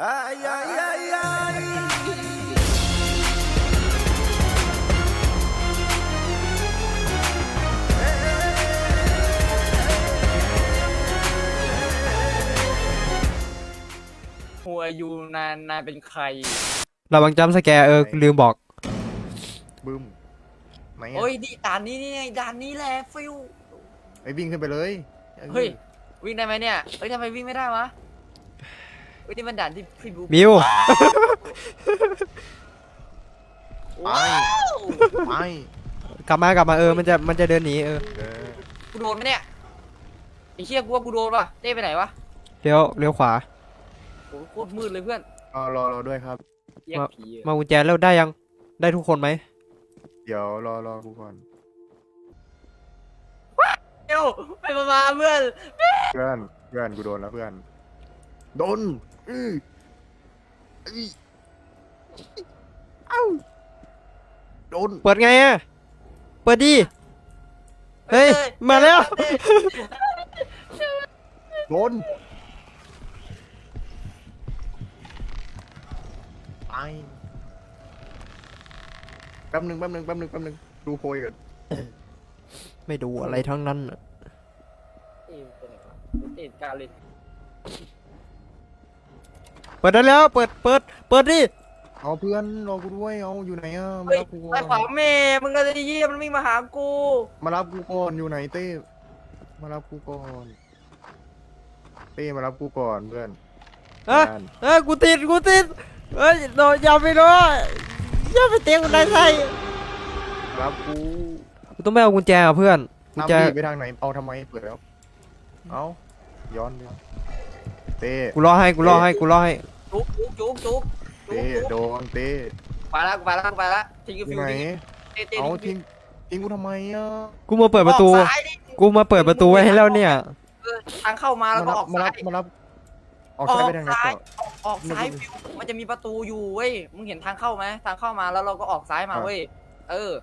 Ay, ay, ay, ay. หัวยูนายเป็นใครระวังจัมป์สแกร์ลืมบอกบึ้มไหนโอ้อ่ะยดิด่านนี้นี่ไงด่านนี้แหละฟิวไอ้วิ่งขึ้นไปเลยเฮ้ยวิ่งได้ไหมเนี่ยเฮ้ยทำไมวิ่งไม่ได้วะเฮ้ยนี่มันด่านที่พี่บูมิวไปไปกลับมมันจะเดินหนีเออกูโดนไหมเนี่ยไอ้เชี่ยกูว่ากูโดนป่ะเต้ไปไหนวะเลี้ยวขวาโอ้โหโคตรมืดเลยเพื่อนรอด้วยครับแยกผีอะมากุญแจแล้วได้ยังได้ทุกคนไหมเดี๋ยวรอกูก่อนเอ้าไปมาเพื่อนเพื่อนกูโดนแล้วเพื่อนโดนอื้ออื้อเอ้าโดนเปิดไงอ่ะเปิดดิเฮ้ยมาแล้วโดนไปแป๊บหนึงดูโพยก่อนไม่ดูอะไรทั้งนั้นน่ะเต้ไปไหนวะเต้การเล่นเปิดได้แล้วเปิดดิเอาเพื่อนรอกูด้วยเอาอยู่ไหนอ่ะมาเฮ้ยรับกูก่ไปอนขวาเมย์มึงก็จะเยี่ยมมันวิ่งมาหากูมารับกูก่อนอยู่ไหนเต้มารับกูก่อนเต้มารับกูก่อนเพื่อนเอ้ยบ้านกูติดเฮ้ยโดนอย่าไปโดนอย่าไปเตะคนใดใส่มารับกูกูต้องไม่เอากุญแจอ่ะเพื่อนกุญตามแจพี่ไปทางไหนเอาทำไมเปิดแล้วเอาย้อนไปเต้กูรอให้จุกเต้โดนเต้ไปละทิ้งกูอยู่ฟิวไหนเต้เอาทิ้งทิ้งกูทำไมอ่ะกูมาเปิดประตูออกซ้ายดิกูมาเปิดประตูไว้ให้แล้วเนี่ยทางเข้ามาแล้วก็ออกมาซ้ารัยบมารับออกซ้ายไปทางไหนต่อออกซ้ายฟิวมันจะมีประตูอยู่เว้ยมึงเห็นทางเข้าไหมทางเข้ามาแล้วเราก็ออกซ้ายมาเว้ยเออ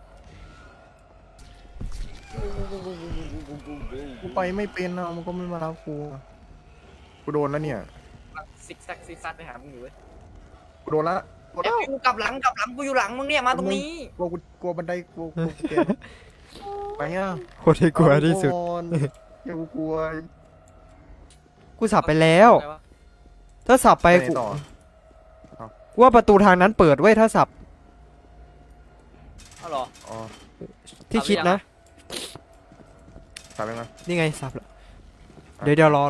กูไปไม่เป็นอ่ะมันก็ไม่มารับกูอะกูโดนแล้วเนี่ยซิกซักไปหามึงอยู่เว้ยกูโดนละโดนไอ้แล้วฟิวกลับหลังกูอยู่หลังมึงเนี่ยมาตรงนี้กลัวบันไดกลัวเตียงไปอ่ะโคตรที่กลัวที่สุดอย่ากูกลัวกูสับไปแล้ว ถ้าสับไปไปไหนต่อกูว่าประตูทางนั้นเปิดไว้ยถ้าสับเอาเหรออ๋อที่คิดนะถามยังไงนี่ไงสับแล้วเดี๋ยวรอ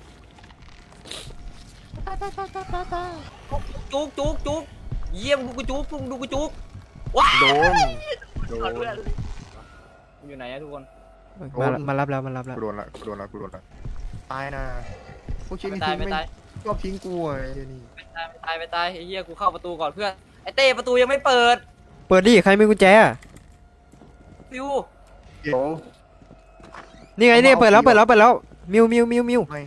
จุกเยี่ยมดูกูจุกว้าโดนเพื่อนอยู่ไหนอะทุกคนมารับแล้วกูโดนละตายนะพวกชิ้นไม่นี้ตายทิ้งไม่ไม่ตายชอบทิ้งกูไอ้นี่ไม่ตายไอ้เหี้ยกูเข้าประตูก่อนเพื่อนไอ้เต้ประตูยังไม่เปิดเปิดดิใครมีกุญแจอะฟิวเดี๋ยวนี่ไงนี่เปิดแล้วมิวไม่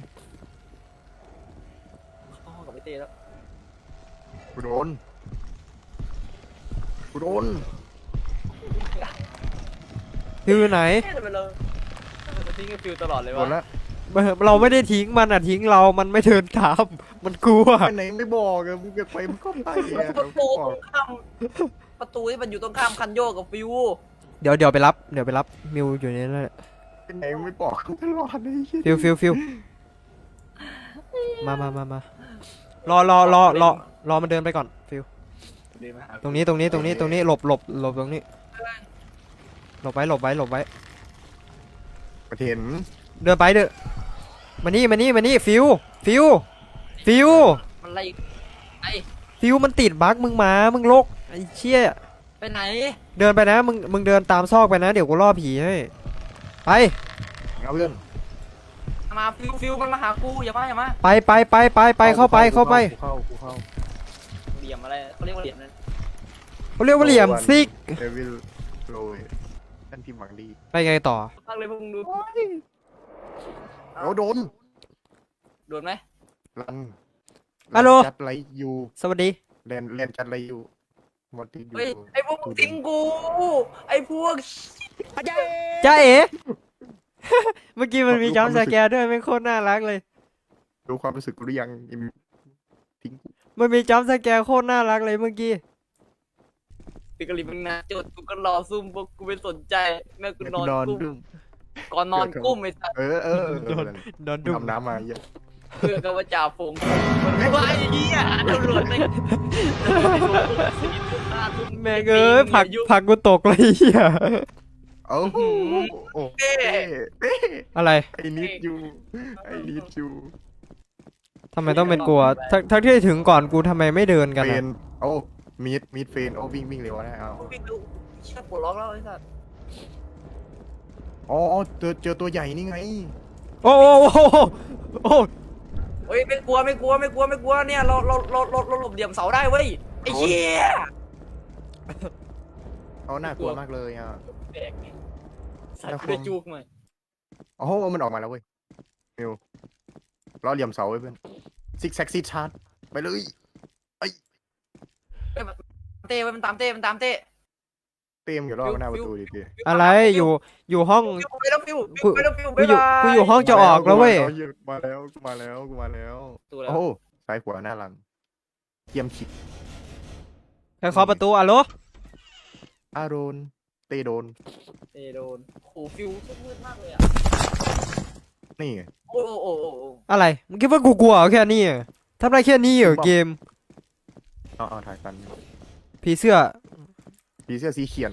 เข้าห้องกับไอ้เต้แล้วกูโดนอยู่ไหนเต้ไปเลยมันทิ้งไอ้ฟิวตลอดเลยโดวะนละเราไม่ได้ทิ้งมันอ่ะทิ้งเรามันไม่เดินตามมันกลัวไปไหนไม่บอกอะมึงจะไปมึงก็ไปอะประตูตรงข้ามประตูที่มันอยู่ตรงข้ามคันโยกกับฟิวเดี๋ยวไปรับมิวอยู่ในนั้นแหละไปไหนไม่บอกกูตลอดเลยไอ้เหี้ยฟิวมารอมันเดินไปก่อนฟิวเดินมาหาตรงนี้หลบตรงนี้หลบไว้ประเทศเดินไปเด้อมานี่ฟิวมันไล่ไอ้ฟิวมันติดบั๊กมึงลกไอ้เชี่ยไปไหนเดินไปนะมึงเดินตามซอกไปนะเดี๋ยวกูล่อผีให้ไปเอาเพื่อนมาฟิวมันมาหากูอย่ามาไปเข้าไปกูเข้าเหลี่ยมอะไรเขาเรียกว่าเหลี่ยมนั่นเขาเรียกว่าเหลี่ยมซิกเดวิลโรยท่านพิมพ์หวังดีไปไงต่อตั้งเลยพวกมึงดูโอ้โดนโดนไหมรันฮัลโหลจัดไรอยู่สวัสดีเรียนจัดไรอยู่หมดที่อยู่เฮ้ยไอ้พวกมึงทิ้งกูไอ้พวกจ้าเอ๋ เมื่อกี้มันมีจัมป์สแกร์ด้วยไม่งโคตรน่ารักเลยรู้ความรู้สึกกูหรือยังอิมทิ้งกูมันมีจัมป์สแกร์โคตรน่ารักเลยเมื่อกี้ติกลิมึงนะโจทย์กูก็รอซุ่มพวกกูไม่สนใจแม่กูนอนนอนกุ้มดุ้มก่อนนอนกุ้มไอ้สัสโดนดุมทำน้ำมาเยอะเพื่อกับว่าจ่าฝงมันว่าไอ้เหี้ยตำรวจไม่แม่งเอ้ยผักกูตกเลยเหี้ยโอ้โหโอ้เต้เต้อะไรไอ้นิดอยู่ไอ้นิดอยู่ทำไมต้องเป็นกลัวทั้งที่ถึงก่อนกูทำไมไม่เดินกันเฟอะนโอ้มีดเฟนโอ้วิ่งเร็วนะเอาวิ่งดูเชี่ยปวดร้องแล้วไอ้สัสอ๋อเจอตัวใหญ่นี่ไงโอ้โอ้โอ้โอ้เฮ้ยไม่กลัวเนี่ยเราหลบเหลี่ยมเสาได้เว้ยไอ้เหี้ยเขาน่ากลัวมากเลยอ่ะแดกไงสัตว์กูได้จูกหน่อยโอ้โหมันออกมาแล้วเว้ยมิวล้อเหลี่ยมเสาไว้เพื่อนซิกแซกซีชาร์จไปเลยเฮ้ยเต้เว้ยมันตามเต้เต็มอยู่รอบหน้าประตูดิพี่อะไรอยู่ห้องไปแล้วฟิวกูไปแล้วฟิวกูอยู่ห้องจะออกแล้วเว้ยมาแล้วตัวแล้วโอ้ซ้ายขวาหน้าหลังเยี่ยมขิดใครเคาะประตูอะโลอาโดนเตโดนเต้โดนโอ้ฟิวมืดมากเลยอ่ะนี่ไงโอ้โอ้อะไรมึงคิดว่ากูกลัวเหรอแค่นี้อะทำได้แค่นี้เหรอเกมเอาถ่ายกันผีเสื้อผีเสื้อสีเขียน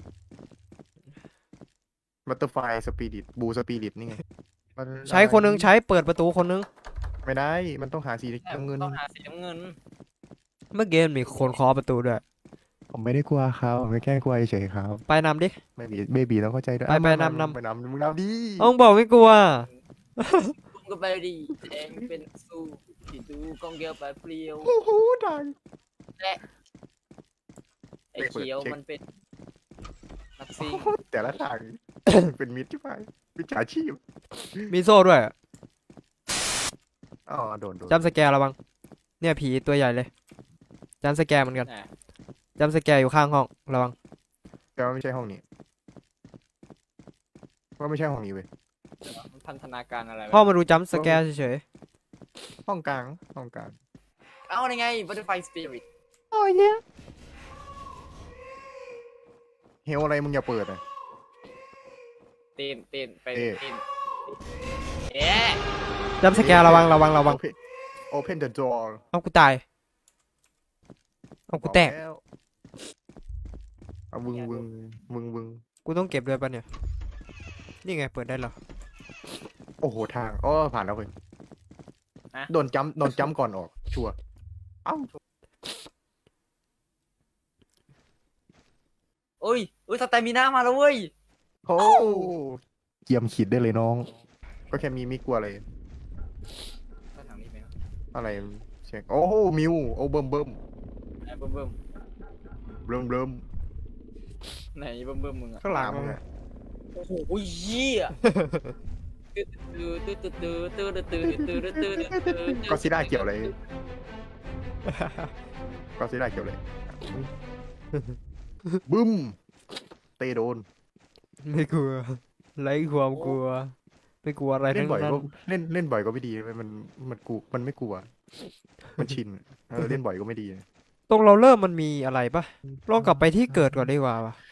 บัตเตอร์ไฟสปิริตบูสปิริตนี่ไงมันใช้คนนึงใช้เปิดประตูคนนึงไม่ได้มันต้องหาสีน้ำเงินต้องหาสีน้ำเงินเมื่อกี้มันมีคนเคาะประตูด้วยผมไม่ได้กลัวเขาผมแค่กลัวเฉยครับไปนำดิไม่บีเบบีต้องเข้าใจด้วยไปอ่ะนำไปนำมึงนำดิอ้องบอกไม่กลัวลุงก็ไปดีแดงเป็นสู้ที่ดูกองเกียวไปเปลี่ยวโอ้โหดังไอ้เขียวมันเป็นนักซิ่งแต่ละทาง เป็นมิตรใช่ไหมมิจฉาชีพมีโซ่ด้วยอ๋อโดนจำสแกร์ระวังเนี่ยผีตัวใหญ่เลยจำสแกร์เหมือนกันนะจำสแกร์อยู่ข้างห้องระวังแต่ว่าไม่ใช่ห้องนี้ว่าไม่ใช่ห้องนี้เว้ยมันพันธนาการอะไรพ่อมาดูจำสแกร์เฉยห้องกลางเอาไง Butterfly Spirit ๆโอ้ยเนี่ยเฮลอะไรมึงอย่าเปิดอ่ะเต้นไปเอ๊ะเต้นเอ๊ะจำสแกร์ระวัง Open the door เอากูตายเอากูแตกบอกล้วเอาวึงกูต้องเก็บด้วยปะเนี่ยนี่ไงเปิดได้เหรอโอ้โหทางอ๋อผ่านแล้วเว้ยโดนจ้ำก่อนออกชัวร์เอ้าโอ้ยสแตมิน่ามาแล้วเว้ยโอ้เยี่ยมขีดได้เลยน้อง ก็แค่มีมิกลัวอะไรไปทางนี้ไหมวะอะไรเช็คโอ้โหมิวโอ้เบิ่มไหนเบิ่มไหนเบิ่มมึงอะข้างหลังมึงอะโอ้โหเหี้ยตื้อก็ซิล่าเกี่ยวอะไรก็ซิล่าเกี่ยวอะไรบึ้มเตะโดนไม่กลัวไร้ความกลัวไม่กลัวอะไรเล่ทั้นงบ่อยนั้นก็เล่นบ่อยก็ไม่ดีเว้ยมันไม่กลัว มันชินเล่นบ่อยก็ไม่ดีตรงเราเริ่มมันมีอะไรปะลองกลับไปที่เกิดก่อนดีกว่าปะ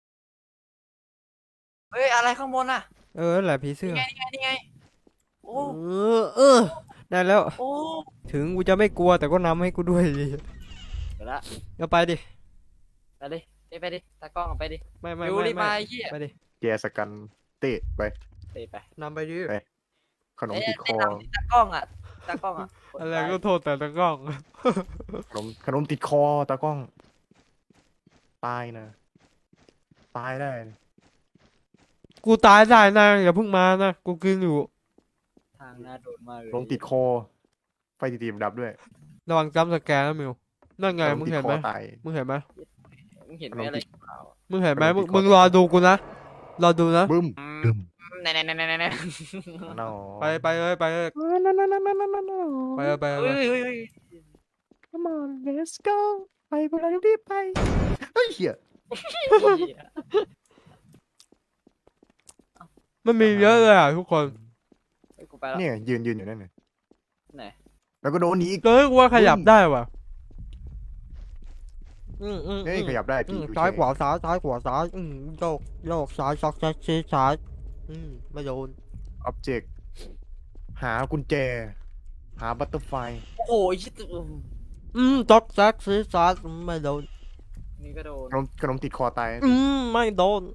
เฮ้ยอะไรข้างบนอะนั่นแหละผีเสื้อนี่ไงโอ้ได้แล้วโอ้ถึงกูจะไม่กลัวแต่ก็นำให้กูด้วยดิเดี๋ยวละเอาไปดิไปดิตากล้องไปดิไม่ดูรีบมาเหี้ยไปดิแกสกันเตะไปไปนำไปดิขนมติดคอตากล้องอะอะไรก็โทษแต่ตะกล้องขนมติดคอตากล้อง ตายนะ ตายได้นะกูตายได้นะอย่าเพิ่งมานะกูกินอยู่ทางน่าโดนมากเลยขนมติดคอ ไฟตีมดับด้วยระวังจำสแกนนะมิวนั่นไงขนมึงติดเห็นคไหมอตายมึงเห็นไหมมึงเห็นไหมอะไรเปล่ามึงเห็นไหมขนมติดคอมึงรอดูกูนะรอดูนะบึ้มไหนน้อไปเลยไปเลย ไปเลยไปเลยเฮ้ย Come on let's go ไปพวกเรารีบไปเฮ้ยเหี้ยมันมีเยอะเลยอ่ะทุกคนกูไปแล้วเนี่ยยืนอยู่นั่นน่ะไหนแล้วก็โดนอีกเฮ้ยกูว่าขยับได้ว่ะเฮ้ยขยับได้พี่ซ้ายขวาซ้ายซ้ายขวาซ้ายโยกโยกซ้ายซอกแซกชี้ซ้ายไม่โดนอ็อบเจกต์หากุญแจ หาบัตเตอร์ไฟโอ้โหไอ้ชิบซอกแซกชี้ซ้ายไม่โดนนี่ก็โดนขนมติดคอตายไม่โดน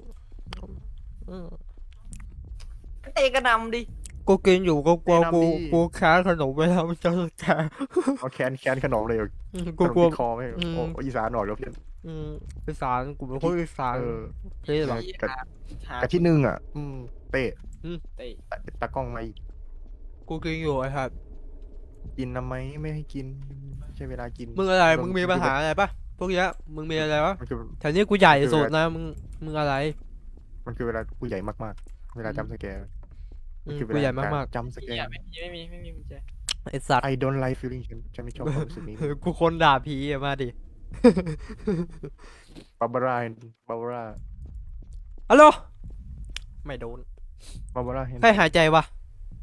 เตะกระนำดิกูกินอยู่กูกลัวกูแค้นขนมไปแล้วมันจะแค้เอาแคนขนมเลยเหรอกูขนมกลัวติดคอไหมโอ้อีสานหน่อยแล้วเพื่อนอีสานกูเป็นคนอีสานเออเท่หรอหากับที่หนึ่งอ่ะเต้เตะตากล้องมาอีกกูกินอยู่ไอ้ครับกินทำไมไม่ให้กินใช่เวลากินมึงอะไรมึงมีปัญหาอะไรปะพวกเนี้ยมึงมีอะไรวะมันคือแถวนี้กูใหญ่สุดนะมึงอะไรมันคือเวลากูใหญ่มากๆ เวลาจำสแกร์มันคือเวกูลาใหญ่มากจำสแกเนี่ยร์ไม่มีกุญแจๆไอ้สัตว์ I don't like feeling ฉันไม่ชอบความรู้สึกนี้กูคนด่าผีอะมาดิบาบาร่าฮัลโหลไม่โดนบาบาร่าเห็นใครหายใจวะ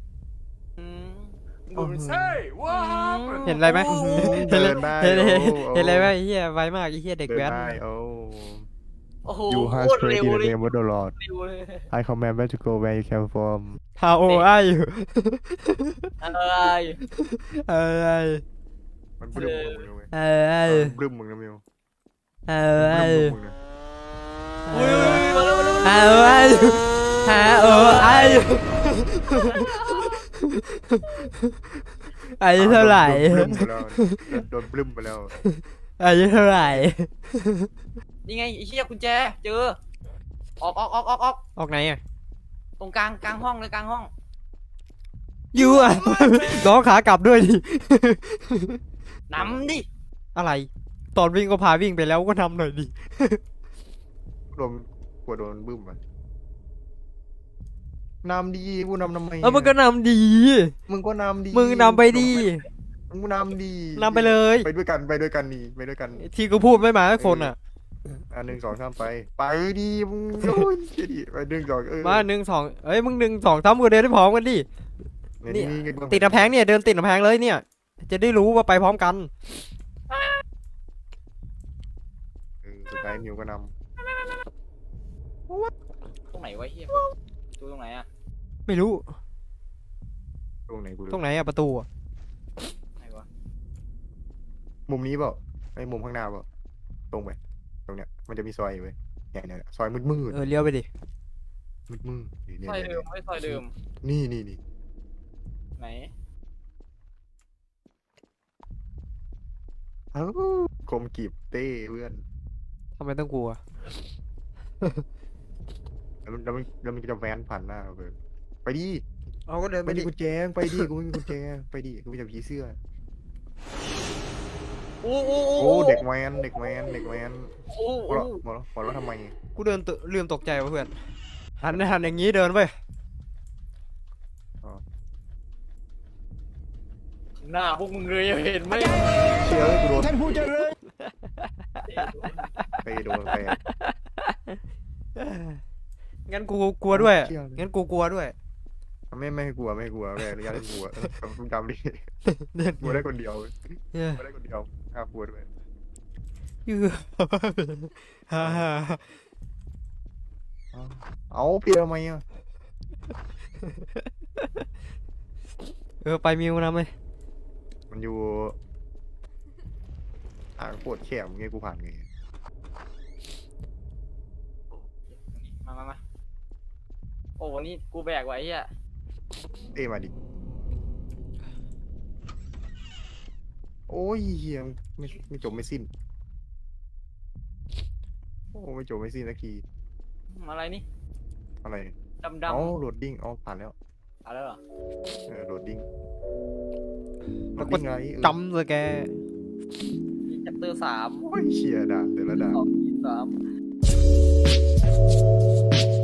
ดูมันสิเห็นอะไรไหมเดินได้เห็นโอ้เห็นอะไรไหมไอ้เหี้ยไวมากไอ้เหี้ยเด็กเดินแว้นได้โอ้โอ้โห You โค have ตรเร็ว straight in เล the ย name of the Lord เร็วเลย I command where to go where you came from How old are you อะไรอะไรมันบลึ้มมึงนะเว้ยอะไรบลึ้มมึงนะมิวอะไรบลึ้มมึงนะอุ้ยมาแล้วอะไร How old are you อายุเท่าไหร่โดนบลึ้มไปแล้วอายุเท่าไหร่นี่ไงไอ้เหี้ยกุญแจเจอออกออกไหนอ่ะตรงกลางห้องเลยกลางห้องยูอ่ะ น้องขากลับด้วยดินำดิอะไร ตอนวิ่งก็พาวิ่งไปแล้วก็ทำหน่อยดิโดนกลัวโดนบึ้มอ่ะนำดีกูนำทำไมแล้วมันก็นำดีมึงก็นำดีมึงนำไปดีมึงนำดีนำไปเลยไปด้วยกันไปด้วยกันนี่ไปด้วยกันที่กูพูดไม่มาสักคนอ่ะ 1 2 3ไปดีมึงโอ้ยดีไป1 2 มา1 2เอ้ยมึง1 2 3กูเดินได้พร้อมกันดิ นี่ ติดกำแพงเนี่ยเดินติดกำแพงเลยเนี่ย จะได้รู้ว่าไปพร้อมกันสุดท้ายมิวก็นตรงไหนวะเหี้ยดูตรงไหนอะไม่รู้ำตรงไหนกูตรงไหนอะประตูอะไหนวะมุมนี้เปล่าไอ้มุมข้างหน้าเปล่าตรงไปตรงเนี้ยมันจะมีซอยอยู่เว้ยเนี่ยซอยมืดเลี้ยวไปดิมืดเนี่ยซอยเดิมไม่ซอยเดิมนี่ไหนเอ้าคมกีบเต้เพื่อนทำไมต้องกลัวแล้วมันจะแวนผ่านหน้าเพื่อนไปดิเอาก็เดินไปไปดิดิกุญแจไปดิกูไม่มีกุญแจไปดิกูมีแต่ผีเสื้อโอ้โอ้เด็กแวนโอ้หัวเราะทำไมกูเดินลืมตกใจวะเพื่อนหันอย่างนี้เดินไปหน้าพวกมึงเลยเห็นไหมเชื่อกูโดนท่านผู้เจริญไปโดนไปงั้นกูกลัวด้วยเชื่อเลยงั้นกูกลัวด้วยไม่ให้กลัวแม่อนุญาตให้กลัวมึงจำดิเดินกลัวได้คนเดียวเออกลัวได้คนเดียวห้ามกลัวด้วยยือฮ่าฮ่าเอาเปลี่ยนทำไมอ่ะไปมิวนะไหมมันอยู่ทางโคตรแคบไงกูผ่านไงมาโอ้วันนี้กูแบกไว้เหี้ยเอ้มาดิโอ้ยเฮียไม่จบไม่สิ้นโอ้ไม่จบไม่สิ้นสักทีอะไรนี่อะไรดำเอาโหลดดิ้งเอาผ่านแล้วอะไรเหรอโหลดดิ้งแล้วก็ไงจำเลยแกจัปเตอร์3 โอ้ยเชียด่าแต่ละด่า 2 3